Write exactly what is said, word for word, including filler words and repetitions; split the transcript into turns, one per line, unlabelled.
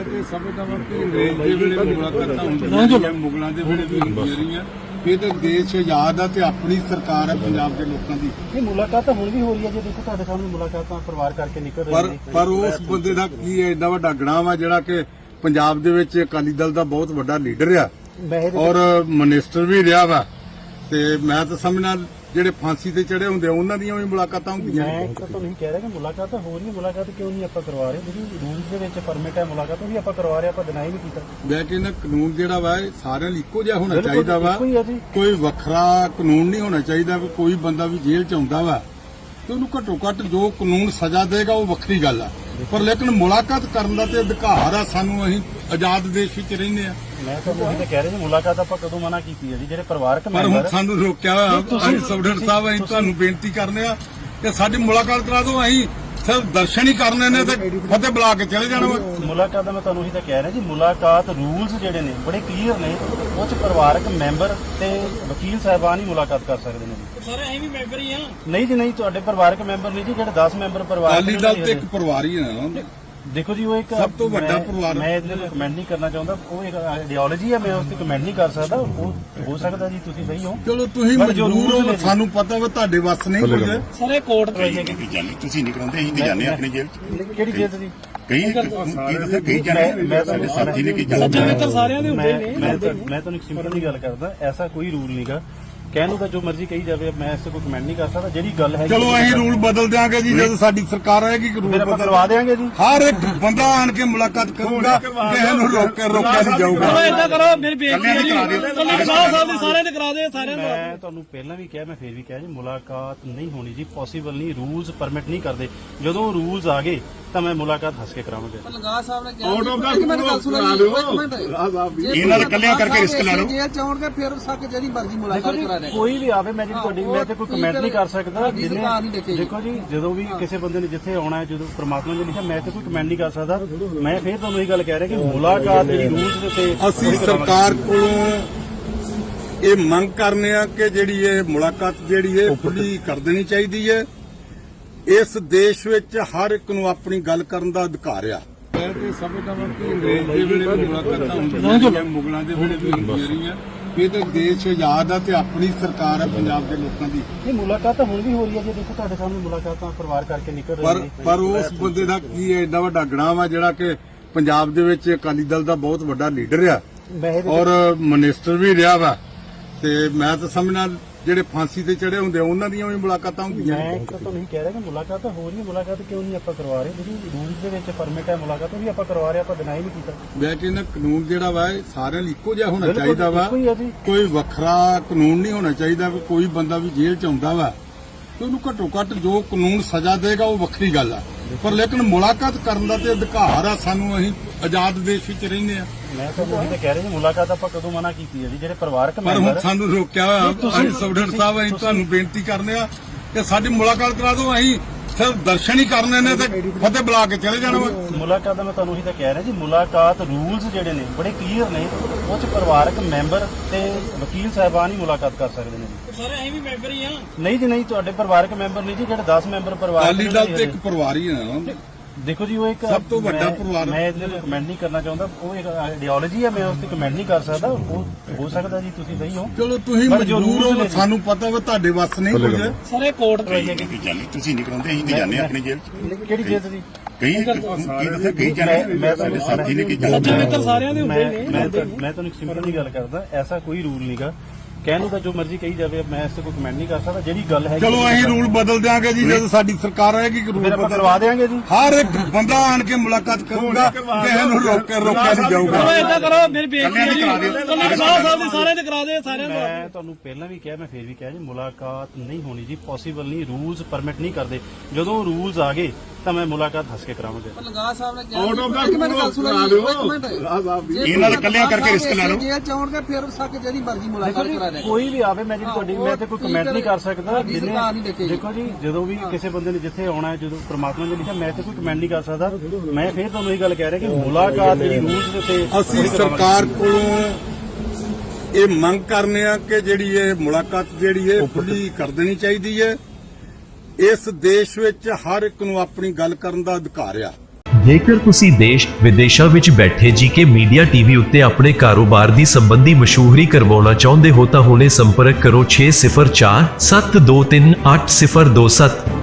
ਤੇ ਸਮਝਦਾ ਵਾਂ ਕਿ ਅੰਗਰੇਜ਼ ਦੇ ਵੇਲੇ ਮੁਲਾਕਾਤਾਂ ਹੁੰਦੀਆਂ ਮੁਗਲਾਂ ਦੇ ਵੇਲੇ ਵੀ ਹੁੰਦੀਆਂ ਰਹੀਆਂ। ਇਹ ਤਾਂ ਦੇਸ਼ ਆਜ਼ਾਦ ਆ ਤੇ ਆਪਣੀ ਸਰਕਾਰ ਹੈ ਪੰਜਾਬ ਦੇ ਲੋਕਾਂ ਦੀ।
ਇਹ ਮੁਲਾਕਾਤ ਤਾਂ ਹੁਣ ਵੀ ਹੋ ਰਹੀ ਹੈ ਜੀ, ਦੇਖੋ ਤੁਹਾਡੇ ਸਾਹਮਣੇ ਮੁਲਾਕਾਤਾਂ ਪਰਿਵਾਰ ਕਰਕੇ ਨਿਕਲ
ਪਰ
ਰਹੀ ਨੇ।
ਪਰ ਉਸ ਬੰਦੇ ਦਾ ਕੀ ਹੈ, ਏਡਾ ਵੱਡਾ ਗਣਾ ਵਾ ਜਿਹੜਾ ਕਿ ਪੰਜਾਬ ਦੇ ਵਿੱਚ ਅਕਾਲੀ ਦਲ ਦਾ ਬਹੁਤ ਵੱਡਾ ਲੀਡਰ ਆ ਔਰ ਮਿਨਿਸਟਰ ਵੀ ਰਿਹਾ ਵਾ। ਤੇ ਮੈਂ ਤਾਂ ਸਮਝਣਾ ਜਿਹੜੇ ਫਾਂਸੀ ਤੇ ਚੜੇ ਹੁੰਦੇ ਉਹਨਾਂ ਦੀਆਂ ਵੀ ਮੁਲਾਕਾਤਾਂ ਹੁੰਦੀਆਂ।
ਮੈਂ ਤਾਂ ਤੁਹਾਨੂੰ ਕਹਿ ਰਿਹਾ ਕਿ ਮੁਲਾਕਾਤ ਤਾਂ ਹੋ ਰਹੀ ਹੈ, ਮੁਲਾਕਾਤ ਕਿਉਂ ਨਹੀਂ ਆਪਾਂ ਕਰਵਾ ਰਹੇ? ਜਿਹੜੀ ਰੂਲਸ ਦੇ ਵਿੱਚ ਪਰਮਿਟ ਹੈ ਮੁਲਾਕਾਤ, ਉਹ ਵੀ ਆਪਾਂ ਕਰਵਾ ਰਹੇ, ਆਪਾਂ ਡਿਨਾਈ ਨਹੀਂ ਕੀਤਾ।
ਮੈਂ ਕਹਿੰਦਾ ਕਾਨੂੰਨ ਜਿਹੜਾ ਵਾ ਇਹ ਸਾਰਿਆਂ ਲਈ ਇੱਕੋ ਜਿਹਾ ਹੋਣਾ ਚਾਹੀਦਾ ਵਾ,
ਇੱਕੋ ਹੀ ਹੈ ਜੀ।
ਕੋਈ ਵੱਖਰਾ ਕਾਨੂੰਨ ਨਹੀਂ ਹੋਣਾ ਚਾਹੀਦਾ ਵੀ ਕੋਈ ਬੰਦਾ ਵੀ ਜੇਲ੍ਹ ਚ ਆਉਂਦਾ ਵਾ ਤੇ ਉਹਨੂੰ ਘੱਟੋ ਘੱਟ ਜੋ ਕਾਨੂੰਨ ਸਜ਼ਾ ਦੇਗਾ ਉਹ ਵੱਖਰੀ ਗੱਲ ਆ, ਪਰ ਲੇਕਿਨ ਮੁਲਾਕਾਤ ਕਰਨ ਦਾ ਤੇ ਅਧਿਕਾਰ ਆ ਸਾਨੂੰ। ਅਸੀਂ ਆਜ਼ਾਦ ਦੇਸ਼ ਵਿੱਚ ਰਹਿੰਦੇ ਆ।
ਮੈਂ ਤਾਂ ਉਹੀ ਤਾਂ ਕਹਿ ਰਿਹਾ ਜੀ, ਮੁਲਾਕਾਤ ਆਪਾਂ ਕਦੋਂ ਮਨਾ ਕੀਤੀ ਹੈ ਜੀ? ਜਿਹੜੇ ਪਰਿਵਾਰਕ
ਪਰ ਹੁਣ ਸਾਨੂੰ ਰੋਕਿਆ ਹੋਇਆ। ਅਸੀਂ ਸਬਡਰ ਸਾਹਿਬ ਅਸੀਂ ਤੁਹਾਨੂੰ ਬੇਨਤੀ ਕਰਨੇ ਆ ਕਿ ਸਾਡੀ ਮੁਲਾਕਾਤ ਕਰਾ ਦਿਓ। ਅਸੀਂ ਸਿਰਫ ਦਰਸ਼ਨ ਹੀ ਕਰਨੇ ਨੇ ਤੇ ਫਤਿਹ ਬੁਲਾ ਕੇ ਚਲੇ ਜਾਣਾ ਵਾ।
ਮੁਲਾਕਾਤ ਦਾ ਮੈਂ ਤੁਹਾਨੂੰ ਉਹੀ ਤਾਂ ਕਹਿ ਰਿਹਾ ਜੀ, ਮੁਲਾਕਾਤ ਰੂਲਸ ਜਿਹੜੇ ਨੇ ਬੜੇ ਕਲੀਅਰ ਨੇ। ਉਹ ਚ ਪਰਿਵਾਰਕ ਮੈਂਬਰ ਤੇ ਵਕੀਲ ਸਾਹਿਬਾਨ ਹੀ ਮੁਲਾਕਾਤ ਕਰ ਸਕਦੇ ਨੇ ਜੀ।
ਸਾਰੇ ਐਵੇਂ ਵੀ ਮੈਂਬਰ ਹੀ ਆ।
ਨਹੀਂ ਜੀ ਨਹੀਂ, ਤੁਹਾਡੇ ਪਰਿਵਾਰਕ ਮੈਂਬਰ ਨਹੀਂ ਜੀ, ਜਿਹੜੇ ਦਸ ਮੈਂਬਰ ਪਰਿਵਾਰ
ਅਕਾਲੀ ਦਲ ਤੇ ਇੱਕ ਪਰਿਵਾਰ ਹੀ ਹੈ ਨਾ।
ਦੇਖੋ ਜੀ, ਉਹ ਇੱਕ
ਸਭ ਤੋਂ ਵੱਡਾ
ਮੈਂ-
ਪਰਿਵਾਰ।
ਮੈਂ ਇਹਦੇ ਤੇ ਕਮੈਂਟ ਨਹੀਂ ਕਰਨਾ ਚਾਹੁੰਦਾ, ਉਹ ਇੱਕ ਆਈਡੀਓਲੋਜੀ ਹੈ, ਮੈਂ ਉਸ ਤੇ ਕਮੈਂਟ ਨਹੀਂ ਕਰ ਸਕਦਾ। ਉਹ ਹੋ ਸਕਦਾ ਜੀ ਤੁਸੀਂ ਸਹੀ ਹੋ,
ਚਲੋ ਤੁਸੀਂ
ਪਰ ਜੋ
ਮਜਬੂਰ
rules
ਹੋ,
ਨੇ-
ਸਾਨੂੰ ਪਤਾ ਵਾ ਤੁਹਾਡੇ ਵੱਸ ਨਹੀਂ ਕੁਝ।
ਸਾਰੇ ਕੋਰਟ ਤੇ
ਜਾਨੀ ਤੁਸੀਂ ਨਹੀਂ ਕਰਾਉਂਦੇ, ਅਸੀਂ ਤੇ ਜਾਂਦੇ ਹਾਂ ਆਪਣੀ ਜੇਲ੍ਹ ਚ।
ਕਿਹੜੀ ਜੇਲ੍ਹ ਜੀ?
ਕਈ ਕੀ ਦੱਸਿਆ ਕਈ ਜਾਂਦੇ
ਮੈਂ
ਸਾਡੇ ਸਾਥੀ ਨੇ ਕੀ
ਸੱਚਾ
ਜਾਂਦੇ
ਮਿੱਤਰ ਸਾਰਿਆਂ ਦੇ ਹੁੰਦੇ
ਮੈਂ
ਨੇ।
ਮੈਂ ਤਾਂ- ਮੈਂ ਤੁਹਾਨੂੰ ਇੱਕ ਸਿੰਪਲ ਜੀ ਗੱਲ ਕਰਦਾ, ਐਸਾ ਕੋਈ ਰੂਲ ਨਹੀਂਗਾ। ਕਹਿਣ ਨੂੰ ਤਾਂ ਜੋ ਮਰਜ਼ੀ ਕਹੀ ਜਾਵੇ, ਮੈਂ ਇਸ ਤੇ ਕੋਈ ਕਮੈਂਟ ਨਹੀਂ ਕਰ ਸਕਦਾ। ਜਿਹੜੀ ਗੱਲ ਹੈ
ਚਲੋ ਅਸੀਂ ਰੂਲ ਬਦਲ ਦਿਆਂਗੇ ਜੀ, ਜਦੋਂ ਸਾਡੀ ਸਰਕਾਰ ਆਏਗੀ ਰੂਲ
ਫਿਰ ਆਪਾਂ
ਬਦਲ
ਕਰਵਾ ਦੇਵਾਂਗੇ ਜੀ।
ਹਰ ਇੱਕ ਬੰਦਾ ਆਣ ਕੇ ਮੁਲਾਕਾਤ ਕਰੂਗਾ, ਕਿਸੇ ਨੂੰ ਰੋਕ ਕੇ ਰੋਕਿਆ ਨਹੀਂ ਜਾਊਗਾ।
ਚਲੋ ਏਦਾਂ ਕਰੋ, ਮੇਰੀ ਬੇਨਤੀ ਹੈ ਜੀ, ਕੱਲੇ ਸਾਹਿਬ ਸਾਹਿਬ ਦੇ ਸਾਰਿਆਂ ਦੇ ਕਰਾ ਦੇ, ਸਾਰਿਆਂ ਦਾ।
ਮੈਂ ਤੁਹਾਨੂੰ ਪਹਿਲਾਂ ਵੀ ਕਿਹਾ, ਮੈਂ ਫੇਰ ਵੀ ਕਿਹਾ ਜੀ, ਮੁਲਾਕਾਤ ਨਹੀਂ ਹੋਣੀ ਜੀ, ਪੋਸੀਬਲ ਨਹੀਂ। ਰੂਲਸ ਪਰਮਿਟ ਨਹੀਂ ਕਰਦੇ। ਜਦੋਂ ਰੂਲਸ ਆ ਗਏ ਤਾਂ ਮੈਂ ਮੁਲਾਕਾਤ ਹੱਸ ਕੇ ਕਰਾਵਾਂਗਾ।
ਲੰਗਾ ਸਾਹਿਬ ਨੇ ਕਿਹਾ
ਆਊਟ ਆਫ ਦਾ
ਇੱਕ ਮਿੰਟ ਗੱਲ ਸੁਣੋ ਜੀ, ਇੱਕ ਮਿੰਟ।
ਇਹਨਾਂ ਦੇ ਇਕੱਲਿਆਂ ਕਰਕੇ ਰਿਸਕ ਲੈ ਲਓ।
ਜੇ ਚਾਹੋਗੇ ਫਿਰ ਸੱਕ ਜਿਹੜੀ ਮਰਜ਼ੀ ਮੁਲਾਕਾਤ ਕਰਾ ਦੇ।
ਕੋਈ ਵੀ ਆਵੇ, ਮੈਂ ਜਿਹੜੀ ਤੁਹਾਡੀ ਮੈਂ ਤੇ ਕੋਈ ਕਮੈਂਟ ਨਹੀਂ ਕਰ ਸਕਦਾ।
ਜਿੰਨੇ
ਜਿੰਨੇ ਦੇਖੋ ਜੀ, ਜਦੋਂ ਵੀ ਕਿਸੇ ਬੰਦੇ ਨੇ ਜਿੱਥੇ ਆਉਣਾ ਹੈ, ਜਦੋਂ ਪ੍ਰਮਾਤਮਾ ਨੇ ਲਿਖਿਆ, ਮੈਂ ਤੇ ਕੋਈ ਕਮੈਂਟ ਨਹੀਂ ਕਰ ਸਕਦਾ। ਮੈਂ ਫੇਰ ਤੁਹਾਨੂੰ ਇਹ ਗੱਲ ਕਹਿ ਰਿਹਾ ਕਿ ਮੁਲਾਕਾਤ ਜਿਹੜੀ ਰੂਲਸ ਦੇ ਉੱਤੇ
ਅਸੀਂ ਸਰਕਾਰ ਕੋਲੋਂ ਇਹ ਮੰਗ ਕਰਨੇ ਆ ਕਿ ਜਿਹੜੀ ਇਹ ਮੁਲਾਕਾਤ ਜਿਹੜੀ ਹੈ ਖੁੱਲੀ ਕਰ ਦੇਣੀ ਚਾਹੀਦੀ ਹੈ। ਇਸ ਦੇਸ਼ ਵਿੱਚ ਹਰ ਇੱਕ ਨੂੰ ਆਪਣੀ ਗੱਲ ਕਰਨ ਦਾ ਅਧਿਕਾਰ ਆ। ਮੈਂ ਤੇ ਸਮਝਦਾ ਵਾਂ ਕਿ ਅੰਗਰੇਜ਼ ਦੇ ਵੇਲੇ ਮੁਲਾਕਾਤਾਂ ਹੁੰਦੀਆਂ ਮੁਗਲਾਂ ਦੇ ਵੇਲੇ ਵੀ ਹੁੰਦੀਆਂ ਰਹੀਆਂ। ਇਹ ਤਾਂ ਦੇਸ਼ ਆਜ਼ਾਦ ਆ ਤੇ ਆਪਣੀ ਸਰਕਾਰ ਹੈ ਪੰਜਾਬ ਦੇ ਲੋਕਾਂ ਦੀ।
ਇਹ ਮੁਲਾਕਾਤ ਤਾਂ ਹੁਣ ਵੀ ਹੋ ਰਹੀ ਹੈ ਜੀ, ਦੇਖੋ ਤੁਹਾਡੇ ਸਾਹਮਣੇ ਮੁਲਾਕਾਤਾਂ ਪਰਿਵਾਰ ਕਰਕੇ ਨਿਕਲ ਰਹੀ
ਪਰ
ਨੇ।
ਪਰ ਉਸ ਬੰਦੇ ਦਾ ਕੀ ਹੈ, ਏਡਾ ਵੱਡਾ ਗਣਾ ਵਾ ਜਿਹੜਾ ਕਿ ਪੰਜਾਬ ਦੇ ਵਿੱਚ ਅਕਾਲੀ ਦਲ ਦਾ ਬਹੁਤ ਵੱਡਾ ਲੀਡਰ ਆ
ਮੈਂ ਇਹਦੇ
ਔਰ ਮਿਨਿਸਟਰ ਵੀ ਰਿਹਾ ਵਾ। ਤੇ ਮੈਂ ਤਾਂ ਸਮਝਣਾ ਜਿਹੜੇ ਫਾਂਸੀ ਤੇ ਚੜੇ ਹੁੰਦੇ ਉਹਨਾਂ ਦੀਆਂ ਵੀ ਮੁਲਾਕਾਤਾਂ ਹੁੰਦੀਆਂ।
ਮੈਂ ਤਾਂ ਤੁਹਾਨੂੰ ਕਹਿ ਰਿਹਾ ਕਿ ਮੁਲਾਕਾਤ ਤਾਂ ਹੋ ਰਹੀ ਹੈ, ਮੁਲਾਕਾਤ ਕਿਉਂ ਨਹੀਂ ਆਪਾਂ ਕਰਵਾ ਰਹੇ? ਜਿਹੜੀ ਰੂਲਸ ਦੇ ਵਿੱਚ ਪਰਮਿਟ ਹੈ ਮੁਲਾਕਾਤ, ਉਹ ਵੀ ਆਪਾਂ ਕਰਵਾ ਰਹੇ, ਆਪਾਂ ਡਿਨਾਈ ਨਹੀਂ ਕੀਤਾ।
ਮੈਂ ਕਹਿੰਦਾ ਕਾਨੂੰਨ ਜਿਹੜਾ ਵਾ ਇਹ ਸਾਰਿਆਂ ਲਈ ਇੱਕੋ ਜਿਹਾ ਹੋਣਾ ਚਾਹੀਦਾ ਵਾ,
ਇੱਕੋ ਹੀ ਹੈ ਜੀ।
ਕੋਈ ਵੱਖਰਾ ਕਾਨੂੰਨ ਨਹੀਂ ਹੋਣਾ ਚਾਹੀਦਾ ਵੀ ਕੋਈ ਬੰਦਾ ਵੀ ਜੇਲ੍ਹ ਚ ਆਉਂਦਾ ਵਾ ਤੇ ਉਹਨੂੰ ਘੱਟੋ ਘੱਟ ਜੋ ਕਾਨੂੰਨ ਸਜ਼ਾ ਦੇਗਾ ਉਹ ਵੱਖਰੀ ਗੱਲ ਆ, ਪਰ ਲੇਕਿਨ ਮੁਲਾਕਾਤ ਕਰਨ ਦਾ ਤੇ ਅਧਿਕਾਰ ਆ ਸਾਨੂੰ। ਅਸੀਂ ਆਜ਼ਾਦ ਦੇਸ਼ ਵਿੱਚ ਰਹਿੰਦੇ ਆ।
ਮੈਂ ਤਾਂ ਉਹੀ ਤਾਂ ਕਹਿ ਰਿਹਾ ਜੀ, ਮੁਲਾਕਾਤ ਆਪਾਂ ਕਦੋਂ ਮਨਾ ਕੀਤੀ ਹੈ ਜੀ? ਜਿਹੜੇ ਪਰਿਵਾਰਕ
ਪਰ ਹੁਣ
ਮੈਂਬਰ
ਸਾਨੂੰ ਰੋਕਿਆ ਹੋਇਆ। ਅਸੀਂ ਸਬਡਰ ਸਾਹਿਬ ਅਸੀਂ ਤੁਹਾਨੂੰ ਬੇਨਤੀ ਕਰਨੇ ਆ ਕਿ ਸਾਡੀ ਮੁਲਾਕਾਤ ਕਰਾ ਦਿਓ। ਅਸੀਂ ਸਿਰਫ ਦਰਸ਼ਨ ਹੀ ਕਰਨੇ ਨੇ ਤੇ ਫਤਿਹ ਬੁਲਾ ਕੇ ਚਲੇ ਜਾਣਾ ਵਾ।
ਮੁਲਾਕਾਤ ਦਾ ਮੈਂ ਤੁਹਾਨੂੰ ਉਹੀ ਤਾਂ ਕਹਿ ਰਿਹਾ ਜੀ, ਮੁਲਾਕਾਤ ਰੂਲਸ ਜਿਹੜੇ ਨੇ ਬੜੇ ਕਲੀਅਰ ਨੇ। ਉਹ ਚ ਪਰਿਵਾਰਕ ਮੈਂਬਰ ਤੇ ਵਕੀਲ ਸਾਹਿਬਾਨ ਹੀ ਮੁਲਾਕਾਤ ਕਰ ਸਕਦੇ ਨੇ ਜੀ।
ਸਾਰੇ ਐਵੇਂ ਵੀ ਮੈਂਬਰ ਹੀ ਆ।
ਨਹੀਂ ਜੀ ਨਹੀਂ, ਤੁਹਾਡੇ ਪਰਿਵਾਰਕ ਮੈਂਬਰ ਨਹੀਂ ਜੀ, ਜਿਹੜੇ ਦਸ ਮੈਂਬਰ ਪਰਿਵਾਰ
ਅਕਾਲੀ ਦਲ ਤੇ ਇੱਕ ਪਰਿਵਾਰ ਹੀ ਹੈ ਨਾ।
ਦੇਖੋ ਜੀ, ਉਹ ਇੱਕ
ਸਭ ਤੋਂ ਵੱਡਾ
ਮੈਂ-
ਪਰਿਵਾਰ।
ਮੈਂ ਇਹਦੇ ਤੇ ਕਮੈਂਟ ਨਹੀਂ ਕਰਨਾ ਚਾਹੁੰਦਾ, ਉਹ ਇੱਕ ਆਈਡੀਓਲੋਜੀ ਹੈ, ਮੈਂ ਉਸ ਤੇ ਕਮੈਂਟ ਨਹੀਂ ਕਰ ਸਕਦਾ। ਉਹ ਹੋ ਸਕਦਾ ਜੀ ਤੁਸੀਂ ਸਹੀ ਹੋ,
ਚਲੋ ਤੁਸੀਂ
ਪਰ ਜੋ
ਮਜਬੂਰ
rules
ਹੋ,
ਨੇ-
ਸਾਨੂੰ ਪਤਾ ਵਾ ਤੁਹਾਡੇ ਵੱਸ ਨਹੀਂ ਕੁਝ।
ਸਾਰੇ ਕੋਰਟ ਤੇ
ਜਾਨੀ ਤੁਸੀਂ ਨਹੀਂ ਕਰਾਉਂਦੇ, ਅਸੀਂ ਤੇ ਜਾਂਦੇ ਹਾਂ ਆਪਣੀ ਜੇਲ੍ਹ ਚ।
ਕਿਹੜੀ ਜੇਲ੍ਹ ਜੀ?
ਕਈ ਕੀ ਦੱਸਿਆ ਕਈ ਜਾਂਦੇ ਸਾਡੇ ਸਾਥੀ ਨੇ ਕੀ
ਸੱਚਾ
ਜਾਂਦੇ
ਮਿੱਤਰ ਸਾਰਿਆਂ ਦੇ ਹੁੰਦੇ
ਮੈਂ
ਨੇ।
ਮੈਂ ਤਾਂ- ਮੈਂ ਤੁਹਾਨੂੰ ਇੱਕ ਸਿੰਪਲ ਜੀ ਗੱਲ ਕਰਦਾ, ਐਸਾ ਕੋਈ ਰੂਲ ਨਹੀਂਗਾ। ਕਹਿਣ ਨੂੰ ਤਾਂ ਜੋ ਮਰਜ਼ੀ ਕਹੀ ਜਾਵੇ, ਮੈਂ ਇਸ ਤੇ ਕੋਈ ਕਮੈਂਟ ਨਹੀਂ ਕਰ ਸਕਦਾ। ਜਿਹੜੀ ਗੱਲ ਹੈ
ਚਲੋ ਅਸੀਂ ਰੂਲ ਬਦਲ ਦਿਆਂਗੇ ਜੀ, ਜਦੋਂ ਸਾਡੀ ਸਰਕਾਰ ਆਏਗੀ ਰੂਲ
ਫਿਰ ਆਪਾਂ
ਬਦਲ
ਕਰਵਾ ਦੇਵਾਂਗੇ ਜੀ।
ਹਰ ਇੱਕ ਬੰਦਾ ਆਣ ਕੇ ਮੁਲਾਕਾਤ ਕਰੂਗਾ, ਕਿਸੇ ਨੂੰ ਰੋਕ ਕੇ ਰੋਕਿਆ ਨਹੀਂ ਜਾਊਗਾ।
ਚਲੋ ਏਦਾਂ ਕਰੋ, ਮੇਰੀ ਬੇਨਤੀ ਹੈ ਜੀ, ਕੱਲੇ ਸਾਹਿਬ ਸਾਹਿਬ ਦੇ ਸਾਰਿਆਂ ਦੇ ਕਰਾ ਦੇ, ਸਾਰਿਆਂ ਦਾ।
ਮੈਂ ਤੁਹਾਨੂੰ ਪਹਿਲਾਂ ਵੀ ਕਿਹਾ, ਮੈਂ ਫੇਰ ਵੀ ਕਿਹਾ ਜੀ, ਮੁਲਾਕਾਤ ਨਹੀਂ ਹੋਣੀ ਜੀ, ਪੋਸੀਬਲ ਨਹੀਂ। ਰੂਲਸ ਪਰਮਿਟ ਨਹੀਂ ਕਰਦੇ। ਜਦੋਂ ਰੂਲਸ ਆ ਗਏ ਤਾਂ ਮੈਂ ਮੁਲਾਕਾਤ ਹੱਸ ਕੇ ਕਰਾਵਾਂਗਾ।
ਲੰਗਾ ਸਾਹਿਬ ਨੇ ਕਿਹਾ
ਆਊਟ ਆਫ ਦਾ
ਇੱਕ ਮਿੰਟ ਗੱਲ ਸੁਣੋ ਜੀ, ਇੱਕ ਮਿੰਟ।
ਇਹਨਾਂ ਦੇ ਇਕੱਲਿਆਂ ਕਰਕੇ ਰਿਸਕ ਲੈ ਲਓ।
ਜੇ ਚਾਹੋਗੇ ਫਿਰ ਸੱਕ ਜਿਹੜੀ ਮਰਜ਼ੀ ਮੁਲਾਕਾਤ ਕਰਾ ਦੇ।
ਕੋਈ ਵੀ ਆਵੇ, ਮੈਂ ਜਿਹੜੀ ਤੁਹਾਡੀ ਮੈਂ ਤੇ ਕੋਈ ਕਮੈਂਟ ਨਹੀਂ ਕਰ ਸਕਦਾ।
ਸਾਡੀ ਸਰਕਾਰ ਨਹੀਂ ਦੇਖੇਗੀ।
ਦੇਖੋ ਜੀ, ਜਦੋਂ ਵੀ ਕਿਸੇ ਬੰਦੇ ਨੇ ਜਿੱਥੇ ਆਉਣਾ ਹੈ, ਜਦੋਂ ਪ੍ਰਮਾਤਮਾ ਨੇ ਲਿਖਿਆ, ਮੈਂ ਤੇ ਕੋਈ ਕਮੈਂਟ ਨਹੀਂ ਕਰ ਸਕਦਾ। ਮੈਂ ਫੇਰ ਤੁਹਾਨੂੰ ਇਹ ਗੱਲ ਕਹਿ ਰਿਹਾ ਕਿ ਮੁਲਾਕਾਤ ਜਿਹੜੀ ਰੂਲਸ ਦੇ ਉੱਤੇ
ਅਸੀਂ ਸਰਕਾਰ ਕੋਲੋਂ ਇਹ ਮੰਗ ਕਰਨੇ ਆ ਕਿ ਜਿਹੜੀ ਇਹ ਮੁਲਾਕਾਤ ਜਿਹੜੀ ਹੈ ਖੁੱਲੀ ਕਰ ਦੇਣੀ ਚਾਹੀਦੀ ਹੈ। ਇਸ ਦੇਸ਼ ਵਿੱਚ ਹਰ ਇੱਕ ਨੂੰ ਆਪਣੀ ਗੱਲ ਕਰਨ ਦਾ ਅਧਿਕਾਰ ਆ।
ਜੇਕਰ ਤੁਸੀਂ ਦੇਸ਼ ਵਿਦੇਸ਼ਾਂ ਵਿੱਚ ਬੈਠੇ ਜੀਕੇ ਮੀਡੀਆ ਟੀਵੀ ਉੱਤੇ ਆਪਣੇ ਕਾਰੋਬਾਰ ਦੀ ਸੰਬੰਧੀ ਮਸ਼ਹੂਰੀ ਕਰਵਾਉਣਾ ਚਾਹੁੰਦੇ ਹੋ ਤਾਂ ਹੁਣੇ ਸੰਪਰਕ ਕਰੋ ਛੇ ਜ਼ੀਰੋ ਚਾਰ ਸੱਤ ਦੋ ਤਿੰਨ ਅੱਠ ਜ਼ੀਰੋ ਦੋ ਸੱਤ।